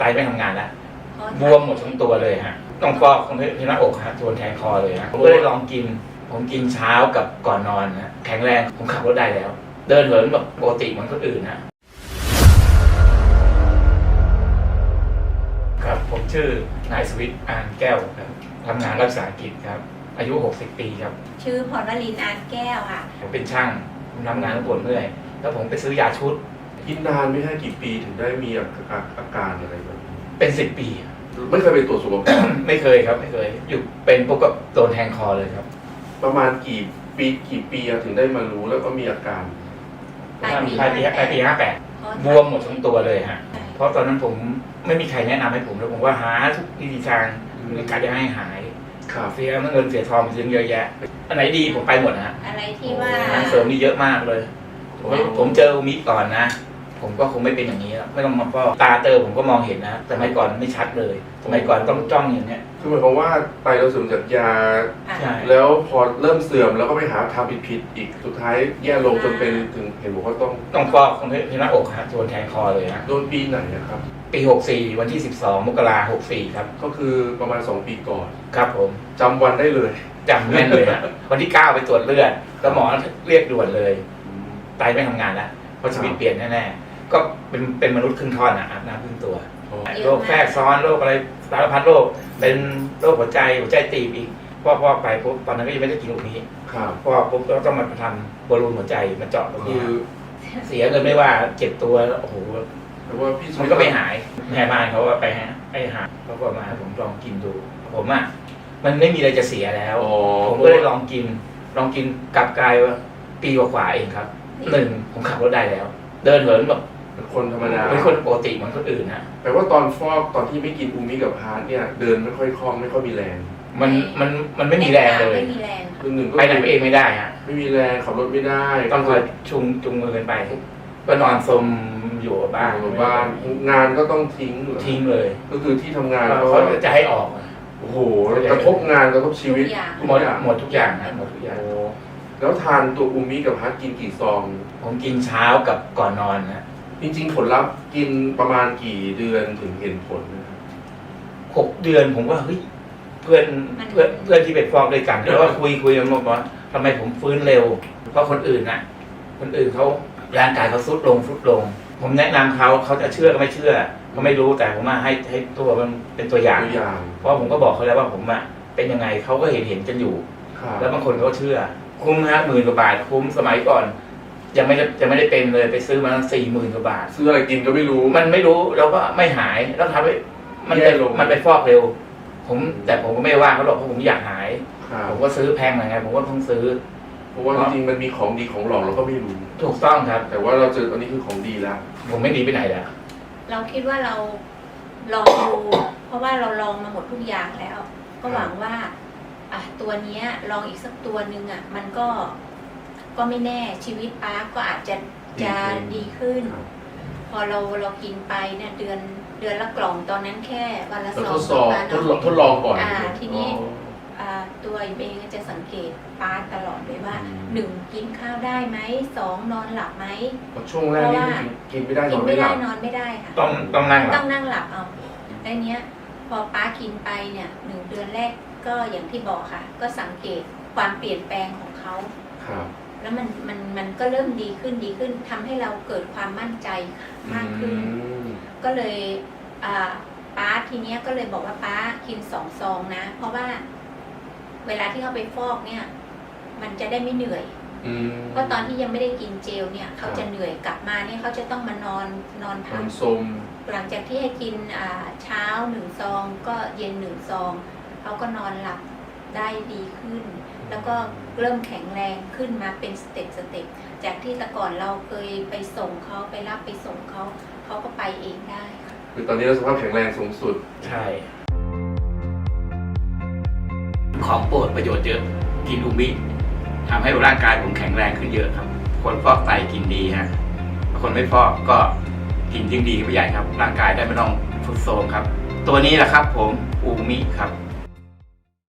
ไตไม่ทำงานแล้วบวมหมดทั้งตัวเลยฮะต้องฟอกที่หน้าอกฮะโดนแทงคอเลยฮะผมก็เลยลองกินผมกินเช้ากับก่อนนอนนะแข็งแรงผมขับรถได้แล้วเดินเหินแบบปกติเหมือนคนอื่นนะครับผมชื่อนายสวิทย์อานแก้วครับทำงานรักษากิจครับอายุ60 ปีครับชื่อพรวลินอานแก้วค่ะผมเป็นช่างผมทำงานปวดเมื่อยแล้วผมไปซื้อยาชุดกินนานไม่ใช่กี่ปีถึงได้มีอาการอะไรแบบนี้เป็น10 ปีไม่เคยไปตรวจสุขภาพไม่เคยครับไม่เคยอยู่เป็นปุ๊บก็โดนแทงคอเลยครับประมาณกี่ปีถึงได้มารู้แล้วก็มีอาการปลายปี58บวมหมดทั้งตัวเลยฮะเพราะตอนนั้นผมไม่มีใครแนะนำให้ผมแล้วผมว่าหาทุกวิธีทางในการจะให้หายเสียเงินเสียทองเสียเยอะแยะอันไหนดีผมไปหมดนะฮะอะไรที่ว่าเสริมนี่เยอะมากเลยผมเจออุมิก่อนนะผมก็คงไม่เป็นอย่างนี้แล้วไม่ต้องมาฟอกตาเตอผมก็มองเห็นนะแต่สมัยก่อนไม่ชัดเลยสมัยก่อนต้องจ้องอย่างเนี้ยคือหมายความว่าไตเราเสื่อมจากยาแล้วพอเริ่มเสื่อมแล้วก็ไปหาทำผิดอีกสุดท้ายแย่ลงจนเป็นถึงเห็นบอกว่าต้องฟอกที่หน้าอกฮะโดนแทงคอเลยฮะโดนปีไหนครับปี64วันที่12 มกราคม 64ครับก็คือประมาณ2 ปีก่อนครับผมจำวันได้เลยจำแม่นเลยฮะวันที่9ไปตรวจเลือดแล้วหมอเรียกด่วนเลยไตไม่ทำงานแล้วเพราะชีวิตเปลี่ยนแน่ๆก็เป็นมนุษย์ครึ่งท่อนอาบน้ำครึ่งตัวโรคแทรกซ้อนโรคอะไรสารพัดโรคเป็นโรคหัวใจตีบอีกพอไปปุ๊บตอนนั้นก็ยังไม่ได้กินตรงนี้พอปุ๊บก็ต้องมาทำบอลลูนหัวใจมาเจาะตรงนี้เสียเงินไม่ว่าเจ็บตัวโอ้โหมันก็ไม่หายแม่บ้านเขาว่าไปหาเขาก็มาผมลองกินดูผมมันไม่มีอะไรจะเสียแล้วผมก็เลยลองกินกลับกลายว่าปีกว่าเองครับผมขับรถได้แล้วเดินเหินแบบเป็นคนธรรมดาเป็นคนปกติเหมือนคนอื่นนะแต่ว่าตอนฟอกตอนที่ไม่กินอูมิกับพาร์ทเนี่ยเดินไม่ค่อยคล่องไม่ค่อยมีแรงมันไม่มีแรงเลยไปไหนเองไม่ได้ฮะไม่มีแรงขับรถไม่ได้ต้องคอยจุงมือกันไปก็นอนสมอยู่บ้านงานก็ต้องทิ้งเลยก็คือที่ทำงานเขาจะให้ออกโอ้โหกระทบงานกระทบชีวิตหมดทุกอย่างนะหมดทุกอย่างแล้วทานตัวอูมิกับพาร์ทกินกี่ซองผมกินเช้ากับก่อนนอนนะจริงๆผลลัพธ์กินประมาณกี่เดือนถึงเห็นผลนะครับ 6 เดือนผมว่าเฮ้ยเพื่อนที่เป็นฟอกด้วยกันแล้วก็คุยกันว่าทำไมผมฟื้นเร็วเพราะคนอื่นเขาร่างกายเขาทรุดลงผมแนะนำเขาจะเชื่อก็ไม่เชื่อก็ไม่รู้แต่ผมมาให้ตัวมันเป็นตัวอย่างเพราะผมก็บอกเขาแล้วว่าผมเป็นยังไงเขาก็เห็นกันอยู่แล้วบางคนเขาเชื่อคุ้มฮะ10,000 กว่าบาทคุ้มสมัยก่อนยังไม่ได้เป็นเลยไปซื้อมา40,000 กว่าบาทซื้ออะไรกินก็ไม่รู้มันไม่รู้แล้วก็ไม่หายแล้วทำให้มันไปฟอกเร็วแต่ผมก็ไม่ว่าเขาหรอกเพราะผมอยากหายผมก็ซื้อแพงหน่อยไงผมก็ต้องซื้อเพราะว่าจริงๆมันมีของดีของหลอกเราก็ไม่รู้ถูกต้องครับแต่ว่าเราเจอตอนนี้คือของดีแล้วผมไม่ดีไปไหนแล้วเราคิดว่าเราลองดูเพราะว่าเราลองมาหมดทุกอย่างแล้วก็หวังว่าตัวนี้ลองอีกสักตัวนึงมันก็ไม่แน่ชีวิตป้าก็อาจจะดีขึ้นพอเรากินไปเนี่ยเดือนละกล่องตอนนั้นแค่วันละ2 ทดลองก่อนทีนี้ตัวเองจะสังเกตป้าตลอดเลยว่า1กินข้าวได้ไหม2นอนหลับไหมช่วงแรกนี่กินไม่ได้นอนไม่ได้ค่ะต้องนั่งหลับเอาแล้วเนี้ยพอป้ากินไปเนี่ย1 เดือนแรกก็อย่างที่บอกค่ะก็สังเกตความเปลี่ยนแปลงของเขาแล้วมันก็เริ่มดีขึ้นทำให้เราเกิดความมั่นใจมากขึ้นก็เลยป้าทีเนี้ยก็เลยบอกว่าป้ากิน2 ซองนะเพราะว่าเวลาที่เขาไปฟอกเนี่ยมันจะได้ไม่เหนื่อยเพราะตอนที่ยังไม่ได้กินเจลเนี่ยเขาจะเหนื่อยกลับมาเนี่ยเขาจะต้องมานอนพักหลังจากที่ให้กินเช้า1 ซองก็เย็น1 ซองเขาก็นอนหลับได้ดีขึ้นแล้วก็เริ่มแข็งแรงขึ้นมาเป็นสเต็ปจากที่แต่ก่อนเราเคยไปส่งเขาไปรับไปส่งเขาก็ไปเองได้คือตอนนี้เราสภาพแข็งแรงสูงสุดใช่ของโปรดประโยชน์เยอะกินอูมิทำให้ร่างกายผมแข็งแรงขึ้นเยอะครับคนฟอกไตกินดีฮะคนไม่ฟอกก็กินยิ่งดีไปใหญ่ครับร่างกายได้ไม่ต้องทรุดโทรมครับตัวนี้แหละครับผมอูมิครับ